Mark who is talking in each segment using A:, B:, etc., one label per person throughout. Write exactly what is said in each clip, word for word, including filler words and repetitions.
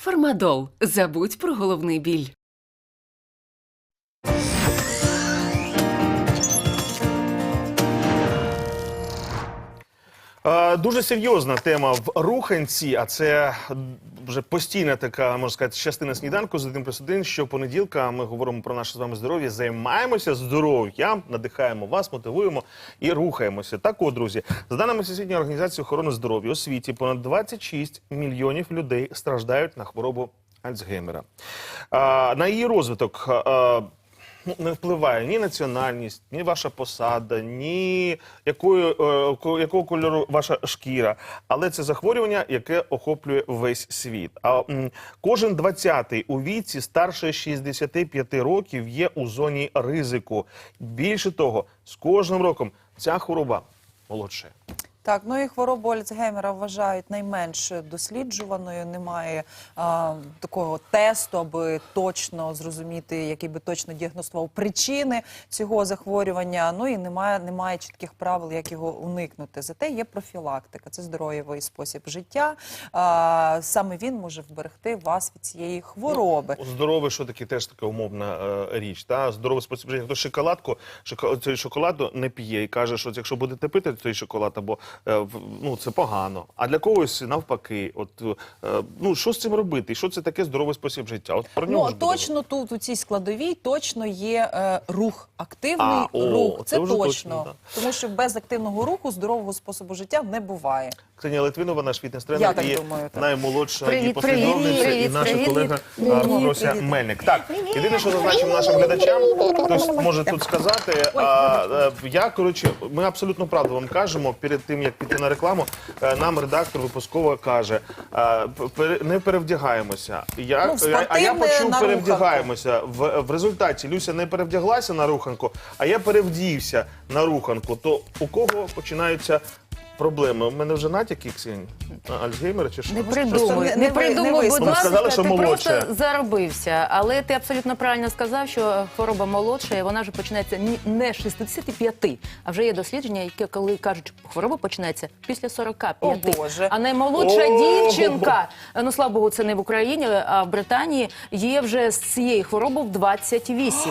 A: Фармадол. Забудь про головний біль.
B: Дуже серйозна тема в руханці, а це вже постійна така, можна сказати, частина сніданку з один плюс один. Щопонеділка ми говоримо про наше з вами здоров'я, займаємося здоров'ям, надихаємо вас, мотивуємо і рухаємося. Так от, друзі, за даними Всесвітньої організації охорони здоров'я, у світі понад двадцять шість мільйонів людей страждають на хворобу Альцгеймера. На її розвиток не впливає ні національність, ні ваша посада, ні якою, е, якого кольору ваша шкіра. Але це захворювання, яке охоплює весь світ. А м, кожен двадцятий у віці старше шістдесяти п'яти років є у зоні ризику. Більше того, з кожним роком ця хвороба молодшає.
C: Так, ну і хворобу Альцгеймера вважають найменш досліджуваною. Немає а, такого тесту, аби точно зрозуміти, який би точно діагностував причини цього захворювання. Ну і немає, немає чітких правил, як його уникнути. Зате є профілактика, це здоровий спосіб життя. А, саме він може вберегти вас від цієї хвороби.
B: Ну, здоровий, що таке, теж така умовна е, річ. Та? Здоровий спосіб життя. Хто шоколадку, шоколад, цей шоколаду не п'є і каже, що якщо будете пити цей шоколад, або ну, це погано. А для когось навпаки. От, ну, що з цим робити? І що це таке здоровий спосіб життя? От про нього
C: ну,
B: ж буде.
C: точно тут, у цій складовій, точно є е, рух. Активний
B: а, о,
C: рух. Це,
B: це
C: точно.
B: точно да.
C: Тому що без активного руху здорового способу життя не буває.
B: Ксенія Литвинова, наш фітнес-тренер, і
C: думаю,
B: наймолодша
D: привіт,
B: її послідовниця,
D: привіт,
B: і наша
D: привіт,
B: колега
D: привіт.
B: Фрося Мельник. Так, єдине, що зазначимо нашим глядачам, хтось може тут сказати, а, а, я, коротше, ми абсолютно правду вам кажемо, перед тим, як піти на рекламу, нам редактор випусково каже, а, не перевдягаємося. Я,
C: ну,
B: а, а я почув
C: на
B: перевдягаємося. В, в результаті Люся не перевдяглася на руханку, а я перевдівся на руханку. То у кого починаються проблеми? У мене вже натяки, Ксень? Альцгеймера чи що?
D: Не придумуй,
C: не,
D: не
C: не,
D: придумуй,
C: не
D: будь
B: Ну,
D: ласка,
B: сказали, що
D: ти
B: молодше.
D: просто заробився. Але ти абсолютно правильно сказав, що хвороба молодша, і вона вже починається не з шістдесяти п'яти, а вже є дослідження, які коли кажуть, хвороба починається після сорока п'яти.
C: О, Боже.
D: А наймолодша
B: О,
D: дівчинка, ну, слава Богу, це не в Україні, а в Британії, є вже з цієї хвороби в двадцять вісім.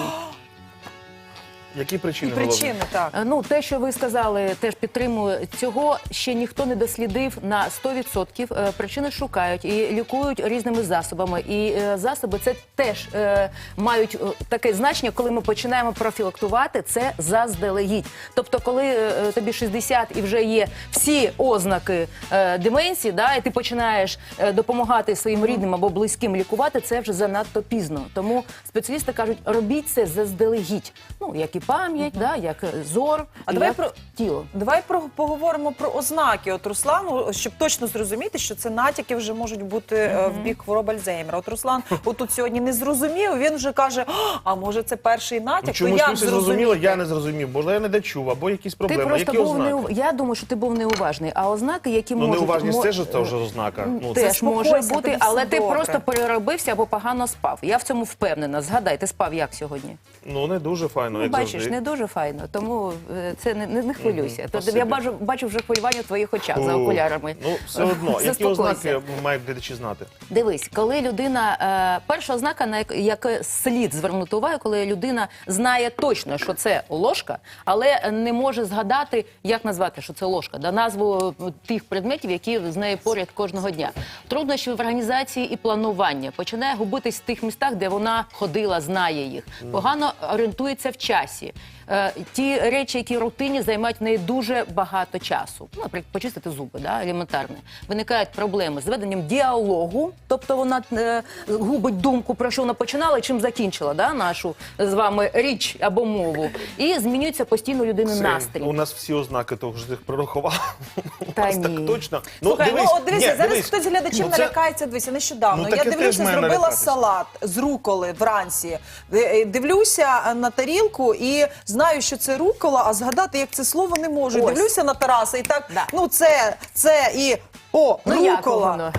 B: Які причини?
C: І причини, так.
D: Ну, те, що ви сказали, теж підтримую. Цього ще ніхто не дослідив на сто відсотків. Причини шукають і лікують різними засобами. І засоби це теж е, мають таке значення, коли ми починаємо профілактувати це заздалегідь. Тобто, коли е, тобі шістдесят і вже є всі ознаки е, деменції, да, і ти починаєш е, допомагати своїм рідним або близьким лікувати, це вже занадто пізно. Тому спеціалісти кажуть, робіть це заздалегідь. Ну, як і пам'ять, uh-huh. да, як зор,
C: а
D: і
C: давай
D: як
C: про
D: тіло.
C: Давай про поговоримо про ознаки. От Руслану, щоб точно зрозуміти, що це натяки вже можуть бути uh-huh. в бік хвороби Альцгеймера. От Руслан, отут сьогодні не зрозумів. Він вже каже: а може це перший натяк?
B: Чомусь
C: як
B: Люся зрозуміла, я не зрозумів. Може, я не дочув, або якісь проблеми.
D: Ти просто
B: які
D: був
B: ознаки?
D: неув... Я думаю, що ти був неуважний. А ознаки, які
B: ну,
D: можуть...
B: Ну, неуважність
D: мо...
B: теж це вже ознака. Ну,
D: теж може
C: Заспокойся,
D: бути,
C: тобі
D: але
C: все
D: ти
C: добре.
D: просто переробився або погано спав. Я в цьому впевнена. Згадай, ти спав як сьогодні?
B: Ну, не дуже файно,
D: Ну,
B: як
D: бачиш,
B: завжди.
D: не дуже файно, тому е, це не, не, не хвилюйся.
B: Мгм,
D: Тобто, я бачу, бачу вже хвилювання в твоїх очах за
B: Фу.
D: окулярами.
B: Ну, все одно, які
D: Заспокойся.
B: ознаки мають глядачі знати?
D: Дивись, коли людина, е, перша ознака, на як, як слід звернути увагу, коли людина знає точно, що це ложка, але не може згадати, як назвати, що це ложка, да, назву тих предметів, які з нею поряд кожного дня. Труднощі в організації і планування. Починає губитись в тих містах, де вона ходила, знає їх. Погано орієнтується в часі. Е, ті речі, які рутинні, займають в неї дуже багато часу. Ну, наприклад, почистити зуби, да, елементарно. Виникають проблеми з веденням діалогу, тобто вона е, губить думку, про що вона починала і чим закінчила, да, нашу з вами річ або мову. І змінюється постійно у людини
B: Це,
D: настрій.
B: у нас всі ознаки того, що ти їх прорахував.
D: Та
B: У нас
D: ні.
B: так точно.
C: Слухай, ну, от дивися,
B: ні,
C: зараз
B: дивись.
C: хтось з глядачів
B: Ну, це-
C: налякається, дивися, нещодавно.
B: Ну,
C: я
B: таке
C: дивлюся,
B: теж має
C: зробила
B: налякатися.
C: салат з руколи вранці. Ди- Дивлюся на тарілку і знаю, що це рукола, а згадати, як це слово, не можу.
D: Ось.
C: Дивлюся на Тараса і так,
D: Да.
C: ну це, це і О,
D: Ну, як
C: рукола.
D: воно?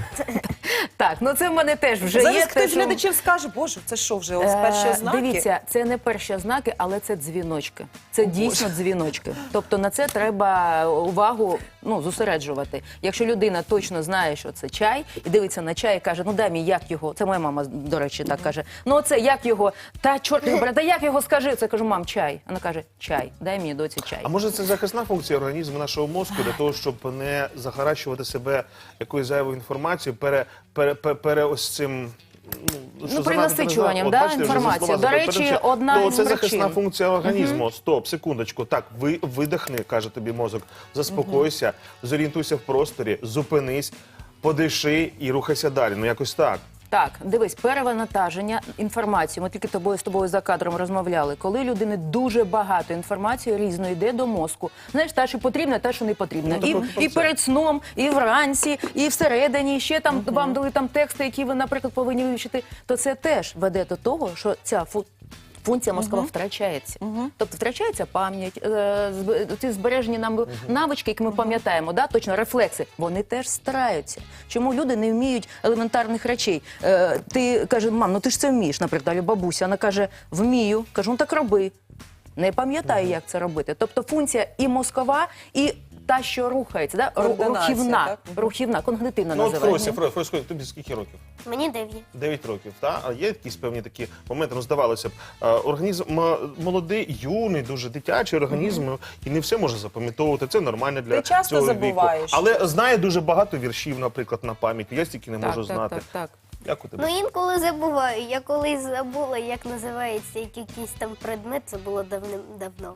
D: Так, ну це в мене теж вже
C: Зараз
D: є.
C: хтось
D: те,
C: з
D: що-
C: глядачів скаже, боже, це що вже, ось перші
D: Е,
C: ознаки?
D: Дивіться, це не перші ознаки, але це дзвіночки. Це дійсно дзвіночки. Тобто на це треба увагу ну, зосереджувати. Якщо людина точно знає, що це чай, і дивиться на чай і каже, ну дай мені, як його, це моя мама, до речі, так каже, ну оце, як його, та чорт його бере, та як його скажи? Це я кажу, мам, чай. Вона каже, чай, дай мені доці чай.
B: А може це захисна функція організму нашого мозку для того, щоб не захаращувати себе якоюсь зайвою інформацією, пере, пере, пере, пере ось цим... Ну, що
D: перенасичуванням,
B: От,
D: да,
B: бачите, вже
D: інформації.
B: слова
D: До
B: забув.
D: речі, одна
B: То
D: із
B: це
D: причин.
B: захисна функція організму. Стоп, секундочку. Так, ви видихни, каже тобі мозок. Заспокойся, зорієнтуйся в просторі, зупинись, подиши і рухайся далі. Ну якось так.
D: Так, дивись, перевантаження інформації. Ми тільки тобою з тобою за кадром розмовляли. Коли людини дуже багато інформації різної йде до мозку. Знаєш, та, що потрібна, та, що не потрібна.
B: Ну,
D: і,
B: так, от
D: і
B: це.
D: перед сном, і вранці, і всередині, і ще там вам дали там тексти, які ви, наприклад, повинні вивчити. То це теж веде до того, що ця фу... функція мозкова втрачається. Тобто втрачається пам'ять, е, зб- ці збережені нам навички, які ми пам'ятаємо, да, точно рефлекси, вони теж стараються. Чому люди не вміють елементарних речей? Е, ти каже, мам, ну ти ж це вмієш, наприклад, або бабуся, вона каже, вмію, кажу, ну так роби. Не пам'ятаю, як це робити. Тобто функція і мозкова, і та, що рухається, да? Ру-
C: Координація,
D: рухівна,
C: так?
D: рухівна, когнитивна
B: Ну от
D: називається.
B: Фросі, Фросі, Фросі, тобі скільки років?
E: Мені дев'ять.
B: Дев'ять років, та? А є якісь певні такі моменти, ну здавалося б, е, організм м, молодий, юний, дуже дитячий організм, і не все може запам'ятовувати, це нормально для
C: Ти часто
B: цього
C: забуваєш.
B: віку. Але знає дуже багато віршів, наприклад, на пам'ять, я стільки не
D: Так,
B: можу
D: так,
B: знати.
D: так, так.
B: Як у тебе?
E: Ну інколи забуваю. Я колись забула, як називається якийсь там предмет, це було давним-давно.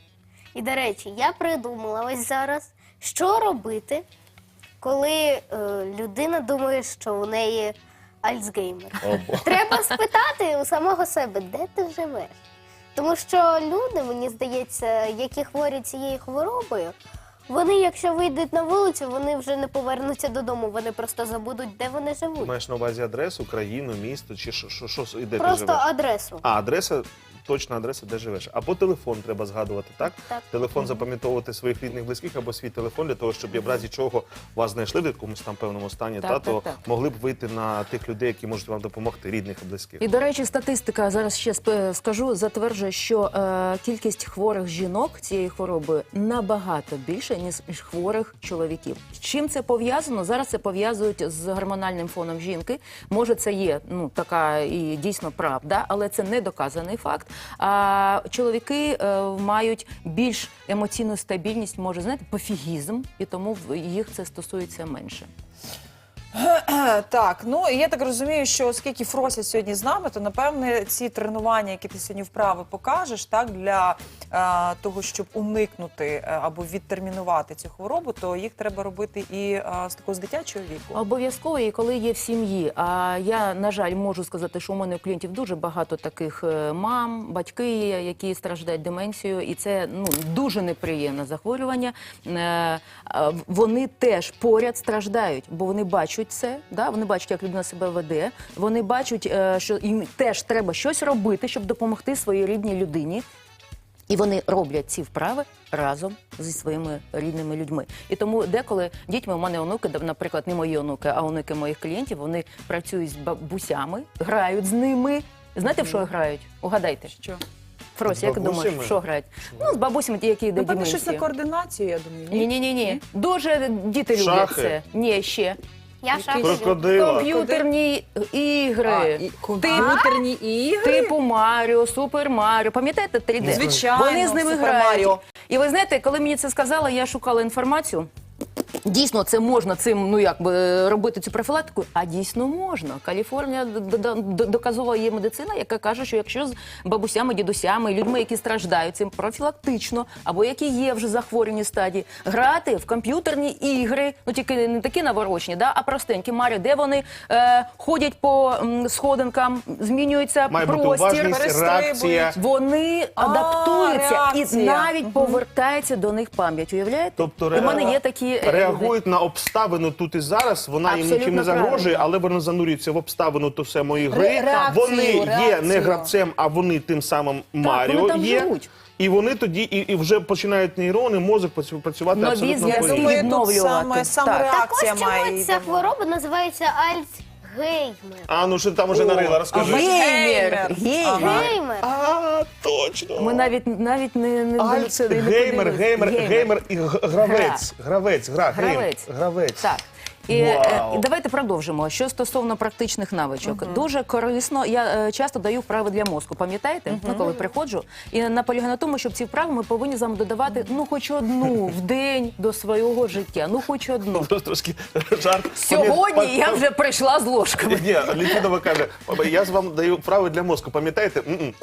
E: І, до речі, я придумала ось зараз, що робити, коли е, людина думає, що у неї Альцгеймер.
B: О, Бо.
E: Треба спитати у самого себе, де ти живеш. Тому що люди, мені здається, які хворі цією хворобою, вони, якщо вийдуть на вулицю, вони вже не повернуться додому, вони просто забудуть, де вони
B: Ти
E: живуть.
B: маєш на увазі адресу, країну, місто, чи що, що, що і де ти
E: Просто
B: живеш?
E: адресу.
B: А, адреса, точна адреса, де живеш. Або телефон треба згадувати, так?
E: Так.
B: Телефон запам'ятовувати своїх рідних, близьких, або свій телефон, для того, щоб в разі чого вас знайшли в якомусь там певному стані,
D: Так,
B: та,
D: так,
B: то
D: так.
B: могли б вийти на тих людей, які можуть вам допомогти, рідних і близьких.
D: І, до речі, статистика, зараз ще сп- скажу, затверджує, що е, кількість хворих жінок цією хворобою набагато більше, ніж хворих чоловіків. З чим це пов'язано? Зараз це пов'язують з гормональним фоном жінки. Може, це є ну, така і дійсно правда, але це не доказаний факт. А чоловіки е, мають більш емоційну стабільність, може, знаєте, пофігізм, і тому в- їх це стосується менше.
C: Так, ну і я так розумію, що оскільки Фрося сьогодні з нами, то напевне ці тренування, які ти сьогодні вправи покажеш, так для е, того, щоб уникнути е, або відтермінувати цю хворобу, то їх треба робити і е, з такого з дитячого віку.
D: Обов'язково, і коли є в сім'ї. А я, на жаль, можу сказати, що у мене у клієнтів дуже багато таких е, мам, батьки є, які страждають деменцією, і це ну дуже неприємне захворювання. Е, а Вони теж поряд страждають, бо вони бачать це, да? Вони бачать, як людина себе веде. Вони бачать, е, що їм теж треба щось робити, щоб допомогти своїй рідній людині. І вони роблять ці вправи разом зі своїми рідними людьми. І тому деколи дітьми, у мене онуки, наприклад, не мої онуки, а онуки моїх клієнтів, вони працюють з бабусями, грають з ними. Знаєте, в що грають? Угадайте.
C: Що?
D: Фрось,
B: З
D: як думаєш,
B: бабусями?
D: в що грають? Ну, з бабусями, ті, які йдуть
C: Напевно, щось на
D: деменцію.
C: координацію, я думаю.
D: Ні, ні, ні, ні. Дуже діти люблять
B: Шахи?
D: це. Ні, ще.
E: Я шахи.
B: Крокодила.
D: Комп'ютерні ігри.
C: А, і комп'ютерні ігри?
D: Типу Маріо, Супер Маріо. Пам'ятаєте три Д?
C: Звичайно,
D: Вони з ними
C: Супер
D: грають.
C: Маріо.
D: І ви знаєте, коли мені це сказали, я шукала інформацію. Дійсно, це можна цим, ну як би робити цю профілактику, а дійсно можна. Каліфорнія д- д- д- доказова є медицина, яка каже, що якщо з бабусями, дідусями, людьми, які страждають цим профілактично, або які є вже захворювані стадії, грати в комп'ютерні ігри, ну тільки не такі наворочені, да, а простенькі Маріо, де вони е, ходять по м, сходинкам, змінюється
B: Має бути
D: простір.
B: уважність,
C: перестрибують.
B: реакція.
D: Вони
C: А,
D: адаптуються і
C: реакція.
D: навіть повертається до них пам'ять. Уявляєте?
B: Тобто
D: У мене
B: ре-
D: є такі е,
B: реагування реагують на обставину тут і зараз. Вона їм
D: Абсолютно
B: нічим не загрожує,
D: правильно.
B: але вони занурюються в обставину ту самої гри.
C: Ре- реакцію,
B: вони є
C: реакцію.
B: не гравцем, а вони тим самим Маріо
D: вони там
B: є.
D: живуть.
B: І вони тоді і, і вже починають нейрони, мозок працю- працювати
D: Нові
B: абсолютно
D: зв'язки
B: по-іншому.
C: Думаю, тут
D: відновлювати.
C: саме, саме
D: Так.
E: Так ось
C: реакція має.
E: чому ця
C: йти.
E: хвороба називається Альцгеймер.
B: А, ну що ти там уже нарила, розкажи.
D: Геймер.
C: Ага.
D: Геймер.
E: Геймер.
B: А, точно.
D: Ми навіть навіть не, не
B: Альц,
D: не
B: геймер,
D: подивились.
B: геймер, геймер і г- гравець. Гравець, гра, гейм,
D: Гравець.
B: гравець.
D: Так. І, е,
B: Вау.
D: і давайте продовжимо. Що стосовно практичних навичок, дуже корисно. Я е, часто даю вправи для мозку. Пам'ятаєте? Ну, коли приходжу і наполягаю на тому, щоб ці вправи ми повинні з вами додавати ну хоч одну в день до свого життя. Ну хоч одну.
B: Просто трошки жарт.
D: Сьогодні
B: Пам'ят-
D: я вже прийшла з ложками.
B: Ні, Літвінова каже, я ж вам даю вправи для мозку, пам'ятаєте? М-м.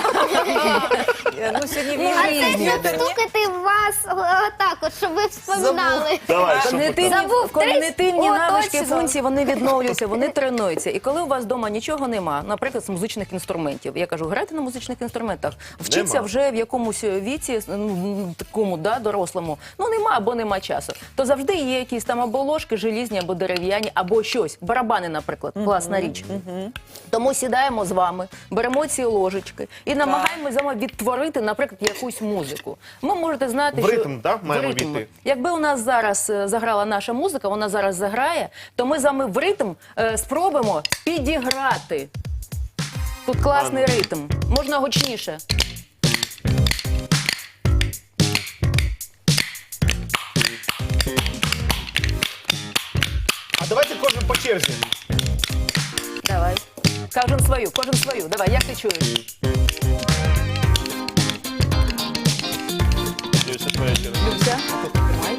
C: Ну, сьогодні
E: А це
C: різні.
E: щоб стукати в вас отак, от, щоб ви вспоминали.
B: Давай, що
D: Когнитивні,
E: Забув
D: когнитивні
E: тридцять? О,
D: навички,
E: точно.
D: функції, вони відновлюються, вони тренуються. І коли у вас вдома нічого нема, наприклад, з музичних інструментів, я кажу, грайте на музичних інструментах, вчіться
B: Нема.
D: вже в якомусь віці, ну, такому, да, дорослому, ну нема або нема часу, то завжди є якісь там або ложки желізні, або дерев'яні, або щось. Барабани, наприклад, класна річ. Тому сідаємо з вами, беремо ці ложечки і намагаємося з вами відтворити, наприклад, якусь музику. Ви можете знати,
B: В
D: що...
B: ритм, да, маємо
D: в ритм.
B: війти?
D: Якби у нас зараз е, заграла наша музика, вона зараз заграє, то ми з вами в ритм е, спробуємо підіграти. Тут класний ритм. Можна гучніше.
B: А давайте кожен по черзі.
D: Давай. Кожен свою, кожен свою. Давай, як ти чуєш?
B: Люся, твоя черга.
D: Люся, тримай.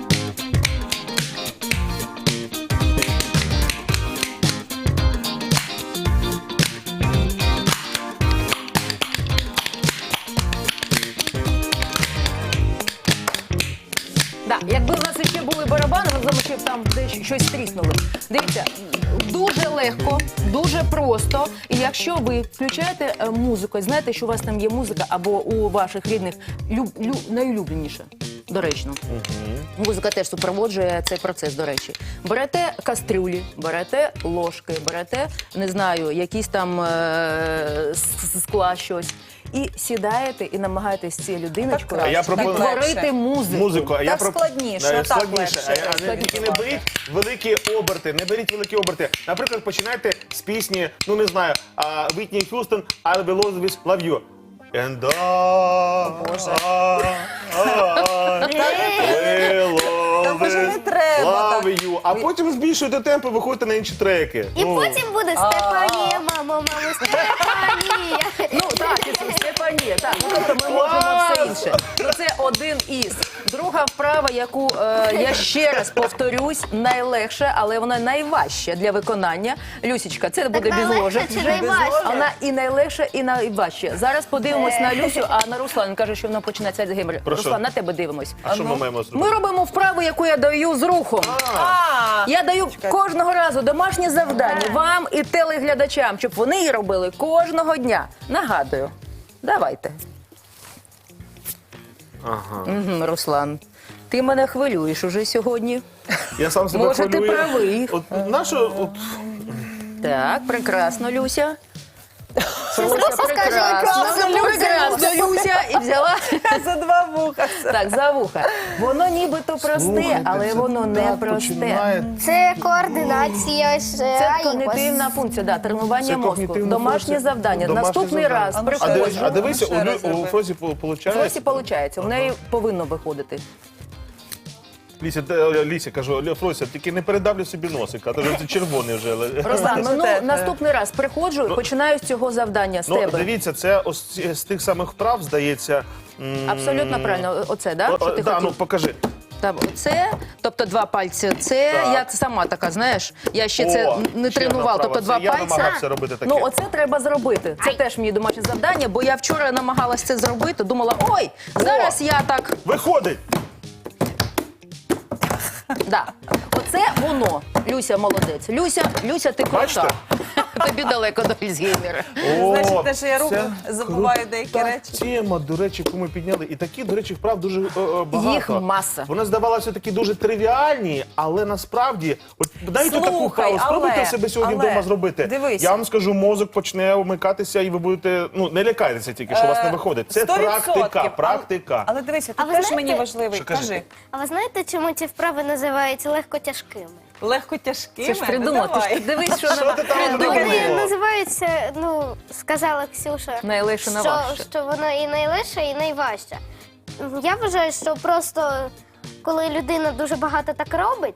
D: Да, якби в нас ще були барабани, ми знаємо, що там десь щось тріснуло. Дивіться, дуже легко, дуже просто. І якщо ви включаєте е, музику, і знаєте, що у вас там є музика, або у ваших рідних люб, лю, найулюбленіша, доречно. Музика теж супроводжує цей процес, до речі. Берете кастрюлі, берете ложки, берете, не знаю, якісь там е, с- скла щось. І сідаєте і намагаєтесь з цією людиночкою
B: А я пропоную-
D: відтворити
C: легше.
D: музику.
B: Музику, а я
C: Так
B: про
C: складніше,
B: Е,
C: так
B: складніше.
C: легше.
B: А, а не,
C: Складніше.
B: тільки не беріть великі оберти, не беріть великі оберти. Наприклад, починайте з пісні, ну не знаю, а, Вітні Х'юстон, I'll be always love you. And I,
C: Боже.
B: I will
C: Та вже не
B: always
C: треба
B: love you. А потім збільшуєте темпи, виходите на інші треки.
E: І
B: Ну,
E: потім буде Стефанія, мамо, мамо, Стефанія.
D: Ну так, і Стефанія, так. Ну, тобто ми можемо все інше. Ну це один із. Друга вправа, яку е, я ще раз повторюсь, найлегше, але вона найважча для виконання. Люсічка, це буде без
E: найлегше
D: ложок.
E: чи
D: вже.
E: найважче?
D: Вона і найлегша, і найважча. Зараз подивимось на Люсю, а на Руслан каже, що вона починається з геймер.
B: Про що?
D: Руслан, на тебе дивимось.
B: А що ми маємо зробити?
D: Ми робимо вправу, яку я даю з рухом.
C: А,
D: Я даю кожного разу домашнє завдання вам і телеглядачам, щоб вони її робили кожного дня. Нагадую. Давайте.
B: Ага.
D: Мгм, Руслан, ти мене хвилюєш уже сьогодні.
B: Я сам себе
D: Може, ти
B: хвилюю.
D: правий.
B: От нащо, от,
D: Так, прекрасно, Люся. Люся,
E: Просто скажи,
D: прекрасно,
E: Люся.
D: прекрасно, Люся. І взяла
C: за два вуха.
D: так, за вуха. Воно нібито просте,
B: Слухайте,
D: але
B: це
D: воно не
B: так
D: просте.
B: починає.
E: Це координація ж
D: Це
E: айкос.
D: когнитивна функція, да, тренування
B: Це
D: мозку.
B: когнитивна
D: Домашнє
B: функція.
D: завдання.
B: Домашнє
D: Наступний
B: завдання.
D: раз
C: А ну,
B: А,
C: Ось,
B: дивись,
C: ну,
B: а дивися,
C: ще
B: у,
C: раз
B: Лю- у
C: зроби.
B: Фрозі виходить.
D: Ось і виходить. У неї повинно виходити.
B: Ліся, те- Ліся, кажу, Лю, Фрося, тільки не передавлю собі носика, а то вже це червоний вже.
D: Руслан, ну,
C: Те- те.
D: наступний раз приходжу і починаю з цього завдання з
B: Ну,
D: тебе.
B: дивіться, це ось ці- з тих самих вправ, здається. м,
D: Абсолютно правильно. Оце, да?
B: о-
D: Що
B: о,
D: ти
B: да,
D: хотів?
B: ну покажи.
D: Там, оце, тобто два пальці. Це
B: Так.
D: я сама така, знаєш, я ще це
B: О,
D: не
B: ще
D: тренувала.
B: одна
D: Тобто
B: вправа.
D: два
B: Це я
D: пальці.
B: намагався робити таке.
D: Ну, оце треба зробити. Це теж мені домашнє завдання, бо я вчора намагалась це зробити. Думала, ой, зараз я так.
B: Виходить!
D: Да. Оце воно. Люся молодець. Люся, Люся, ти крута.
B: Бачите?
D: Тобі далеко до Альцгеймера.
C: Значить, те, що я роблю,
B: це
C: забуваю деякі
B: крута
C: речі.
B: Тема, до речі, яку ми підняли. І такі, до речі, вправ дуже е, е, багато.
D: Їх маса.
B: Вони здавалися такі дуже тривіальні, але насправді, от дайте таку
C: Слухай,
B: вправу, спробуйте
C: але-
B: себе сьогодні
C: але,
B: вдома зробити.
C: дивись.
B: Я вам скажу, мозок почне вмикатися, і ви будете, ну не лякайтеся тільки, що у вас не виходить. Це
C: Сто відсотків.
B: практика, практика.
C: Але дивися,
E: А
C: ти
E: ви
C: теж
E: знаєте-
C: мені важливий.
B: Що, кажи?
C: Кажи.
E: А ви знаєте, чому ці вправи називаються легкотяжкими?
C: Легко тяжкими?
D: Це ж
C: Ну,
D: придумати. Ти ж
C: давай.
D: дивись, що
B: Що
D: вона
B: ти там
D: придумала.
B: придумала?
E: Вони називаються, ну, сказала Ксюша,
D: Найлегше,
E: що,
D: найважче.
E: що воно і найлегше, і найважче. Я вважаю, що просто коли людина дуже багато так робить,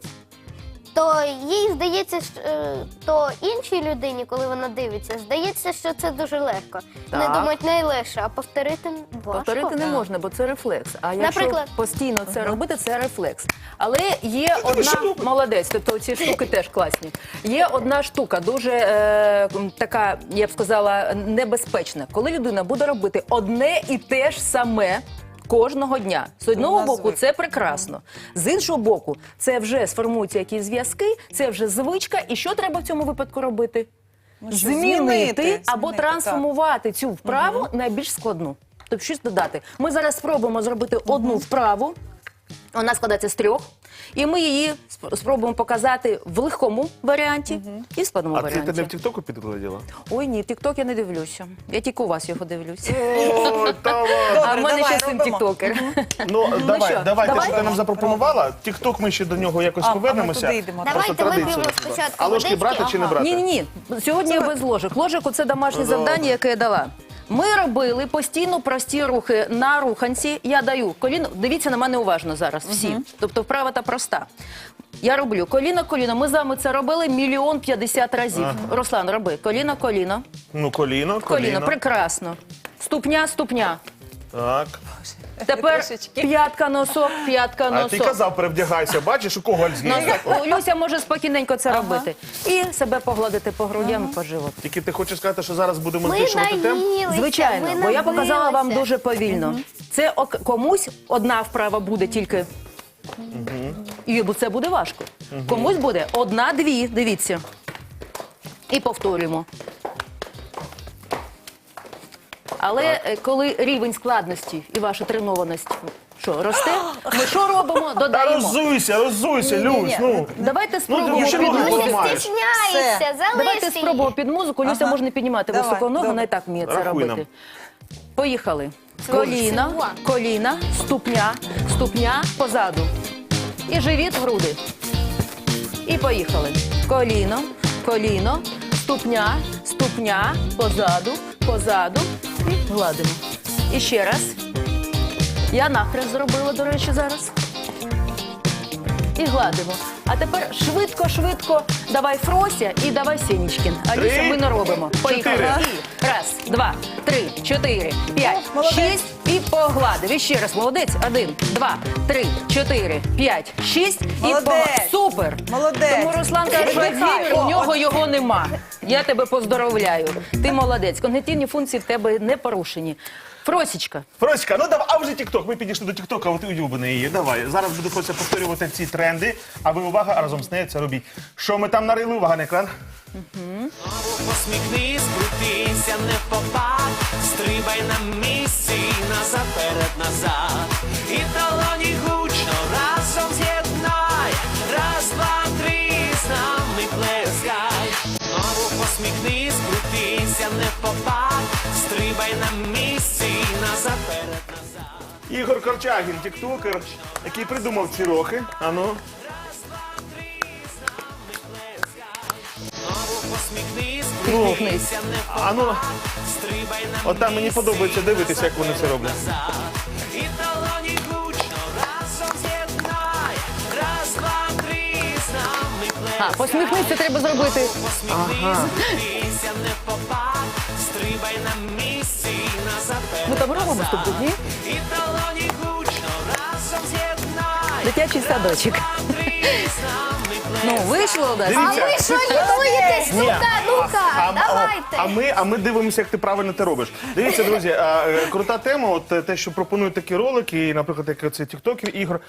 E: то їй здається, що, е, то іншій людині, коли вона дивиться, здається, що це дуже легко.
D: Так.
E: Не думають найлегше, а повторити важко.
D: Повторити не можна, бо це рефлекс. А якщо
E: Наприклад?
D: постійно це робити, це рефлекс. Але є одна молодець, тобто ці штуки теж класні. Є одна штука, дуже е, така, я б сказала, небезпечна. Коли людина буде робити одне і те ж саме. Кожного дня. З одного
C: Вона
D: боку,
C: звикла.
D: це прекрасно. З іншого боку, це вже сформуються якісь зв'язки, це вже звичка. І що треба в цьому випадку робити?
C: Ну, що,
D: Змінити
C: змінити,
D: або
C: змінити,
D: трансформувати цю вправу на більш складну. Тобто щось додати. Ми зараз спробуємо зробити одну вправу. Вона складається з трьох. І ми її сп- спробуємо показати в легкому варіанті і в складному
B: А ти, ти
D: варіанті.
B: не в Тіктоку підгляділа?
D: Ой, ні, тік-ток я не дивлюся. Я тільки у вас його дивлюся.
B: О, та ладно.
D: А в мене
C: давай,
D: ще син
C: робимо.
D: тіктокер.
B: Ну, давай,
D: що,
B: давай, те,
D: давай?
B: що ти нам запропонувала. Тікток ми ще до нього якось
C: А, а ми
B: повернемося.
C: туди йдемо.
B: Просто
E: Давайте
B: традиція
E: вип'ємо
B: у нас була.
E: спочатку
B: А ложки
E: водички.
B: брати чи не
C: Ага.
B: брати?
D: Ні, ні, ні. Сьогодні я без ложок. Ложок це домашнє
B: Ну, добре.
D: завдання, яке я дала. Ми робили постійно прості рухи на руханці. Я даю коліно. Дивіться на мене уважно зараз всі. Тобто вправа та проста. Я роблю коліно, коліно. Ми з вами це робили мільйон п'ятдесят разів. Руслан, роби коліно, коліно,
B: Ну, коліно,
D: коліно.
B: коліно.
D: Прекрасно. Ступня, ступня.
B: Так.
D: Тепер
C: Трішечки.
D: п'ятка, носок, п'ятка,
B: А
D: носок.
B: ти казав, перевдягайся. Бачиш, у кого Альцгеймер?
D: Носок. О, Люся може спокійненько це робити. І себе погладити по грудям і по животу.
B: Тільки ти хочеш сказати, що зараз будемо
E: Ми
B: збільшувати темп?
E: наїлися,
D: Звичайно,
E: ми
D: бо я показала вам
E: набилися.
D: дуже повільно. Це ок- комусь одна вправа буде тільки. І бо це буде важко. Комусь буде одна-дві, дивіться. І повторюємо. Але е, коли рівень складності і ваша тренованість що, росте, ми що робимо?
B: Та
D: Додаємо.
B: роззуйся, роззуйся,
C: Ні-ні-ні.
B: Люсь, ну.
D: Давайте
B: Ну,
D: спробуємо
B: ти ще
D: під
B: ноги
D: музику.
B: поламаєш.
E: Стісняється,
D: Давайте
E: залиште
D: спробуємо
E: її.
D: під музику. Люся
C: Ага.
D: може не піднімати
C: Давай,
D: високо ногу,
C: добре.
D: вона і так вміє це
B: Рахуй
D: робити.
B: нам.
D: Поїхали. Коліна, коліна, ступня, ступня позаду. І живіт, груди. І поїхали. Коліно, коліно, ступня, ступня, позаду, позаду. І гладимо. І ще раз. Я нахрест зробила, до речі, зараз. І гладимо. А тепер швидко-швидко давай Фрося і давай Сенічкін. Аліса,
B: Три,
D: ми не робимо. Поїхали.
B: чотири.
D: І раз, два, три, чотири, п'ять,
C: молодець.
D: шість і погладив. І ще раз, молодець. Один, два, три, чотири, п'ять, шість і
C: Молодець.
D: погладив. Супер.
C: Молодець.
D: Тому Руслан каже, що
C: Видихай.
D: Альцгеймер,
C: О,
D: у нього
C: от.
D: його нема. Я тебе поздоровляю. Ти молодець. Когнітивні функції в тебе не порушені. Фросічка.
B: Фросічка, ну давай, а вже Тікток. Ми підійшли до Тіктока, от улюблений її. Давай. Зараз буду Фрося повторювати ці тренди, а ви увага, а разом з нею це робіть. Що ми там нарили? Увага на екран.
F: Посміхнись, крутися, не попад, стрибай на місці, назад, перед, назад. І долоні гучно разом з'єднай, раз, два, три, з нами плескай. Знову посміхнись, крутися, не попад, стрибай на місці, назад, перед, назад.
B: Ігор Корчагін, тіктокер, який придумав ці рухи. Ану.
F: Посміхнись,
B: Ну,
F: крутися, не попад,
B: ану.
F: стрибай на
B: От там мені подобається дивитися, як вони це роблять.
F: І долоні гучно разом з'єднай, раз, два, три, з нами
D: А,
F: плескай.
D: посміхнися треба зробити.
F: Посміхнись, крутися, не попад, стрибай на місці, назад,
D: Ми
F: перед,
D: там робимо
F: назад.
D: ступку, ні?
F: І долоні гучно разом з'єднай,
D: Дитячий садочок.
F: два, три, з нами
D: Ну,
F: плескай.
D: вийшло у нас.
E: А
B: Дивіться.
E: ви що лінуєтесь?
B: Ні.
E: Ну-ка, ну-ка,
B: А,
E: давайте.
B: а, ми, а ми дивимося, як ти правильно це робиш. Дивіться, друзі, а, е, крута тема, от е, те, що пропонують такі ролики, і, наприклад, як це тіктоків ігор.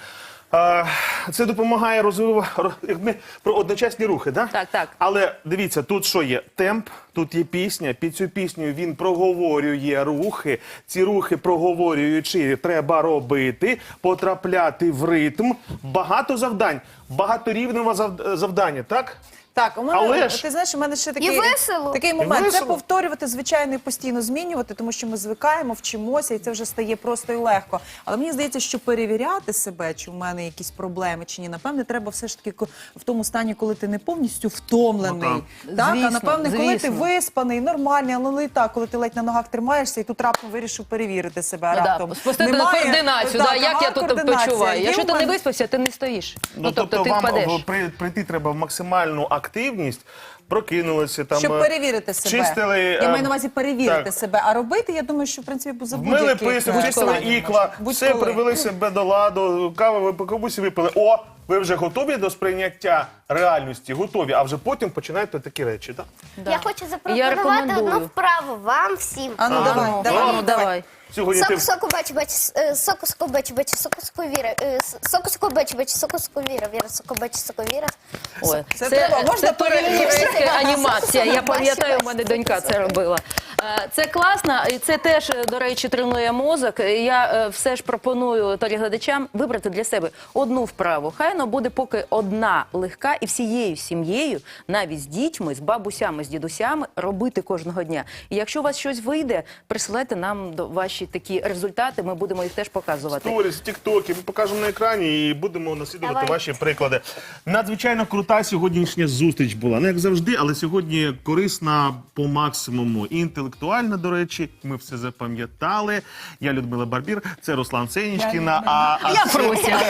B: А, це допомагає розвивати як ми про одночасні рухи, да?
D: Так, так.
B: Але дивіться, тут що є? Темп, тут є пісня. Під цю пісню він проговорює рухи. Ці рухи проговорюючи, треба робити, потрапляти в ритм. Багато завдань, багаторівневе зав- завдання, так?
C: Так, у мене,
B: Але ж-
C: ти знаєш, у мене ще такий,
E: весело.
C: такий
B: І
C: момент. Це
B: весело.
C: повторювати, звичайно, і постійно змінювати, тому що ми звикаємо, вчимося, і це вже стає просто і легко. Але мені здається, що перевіряти себе, чи в мене якісь проблеми, чи ні, напевне, треба все ж таки ко- в тому стані, коли ти не повністю втомлений.
B: Ну,
C: так,
D: Звісно,
C: а напевне, коли ти
D: звісно.
C: виспаний, нормальний, але і так, коли ти ледь на ногах тримаєшся, і тут раптом вирішив перевірити себе.
D: Ну, да,
C: раптом
D: спустити
C: немає-
D: координацію,
C: так,
D: да, як
C: ага,
D: я тут
C: координація.
D: почуваю.
C: Є
D: Якщо
C: у
D: ти не
C: мене-
D: виспався, ти не стоїш.
B: Ну, тобто,
D: ти
B: вам
D: впадеш.
B: в- при- прийти треба в максимальну активність, прокинулися там.
C: Щоб
B: е,
C: перевірити себе.
B: чистили,
C: Я
B: е,
C: маю на увазі перевірити
B: так.
C: себе. А робити, я думаю, що в принципі за
B: Вмили
C: будь-яких
B: писок,
C: е,
B: чистили
C: складів
B: ікла,
C: можна.
B: все
C: Будь-коли.
B: привели себе до ладу, каву ви комусь випили. О, ви вже готові до сприйняття реальності, готові, а вже потім починаєте такі речі, так?
D: Да.
E: Я хочу
D: Я
E: запропонувати
D: рекомендую.
E: одну вправу вам всім.
C: А ну
B: Ага.
C: давай,
D: Ну,
C: давай.
D: ну, давай.
B: Сьогодні ти
E: Соку, соку, бачу, бачу, е, соку, соку, бачу, бачу, соку, соку, віра, е, с- соку, соку, бачу, бачу, соку, соку, віра, віра, соку, бачу, соку, віра.
D: Ой,
C: Це треба, можна
D: це
C: перевірити?
D: турецька анімація. Я пам'ятаю,
E: Бачу,
D: у мене донька це робила. Е, Це класно, і це теж, до речі, тренує мозок. Я е, все ж пропоную телеглядачам вибрати для себе одну вправу. Хай вона буде поки одна легка, і всією сім'єю, навіть з дітьми, з бабусями, з дідусями, робити кожного дня. І якщо у вас щось вийде, присилайте нам до ваші такі результати, ми будемо їх теж показувати.
B: сторіс, тіктоки, ми покажемо на екрані і будемо наслідувати
E: Давай.
B: ваші приклади. Надзвичайно крута сьогоднішня зустріч була. Не як завжди, але сьогодні корисна по максимуму. І інтелектуальна, до речі, ми все запам'ятали. Я Людмила Барбір, це Руслан Сенічкіна. А, а
D: Я
B: це-
D: Фрося.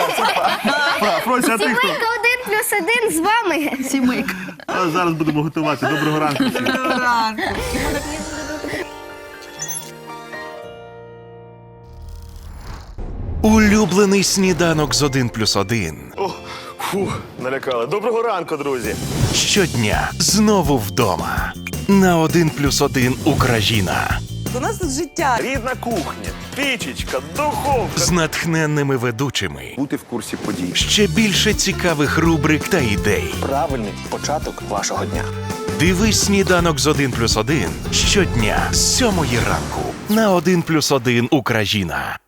B: Фра- Фрося, а ти хто?
E: Сімейка один плюс один з вами.
D: Сімейка.
B: А зараз будемо готувати. Доброго ранку всім.
C: Доброго ранку.
G: Улюблений сніданок з один плюс один.
B: О, фух, налякали. Доброго ранку, друзі.
G: Щодня знову вдома. На один плюс один Україна.
C: У нас тут життя.
B: Рідна кухня, пічечка, духовка.
G: З натхненними ведучими.
H: Бути в курсі подій.
G: Ще більше цікавих рубрик та ідей.
H: Правильний початок вашого дня.
G: Дивись сніданок з один плюс один щодня з сьомої ранку. На один плюс один Україна.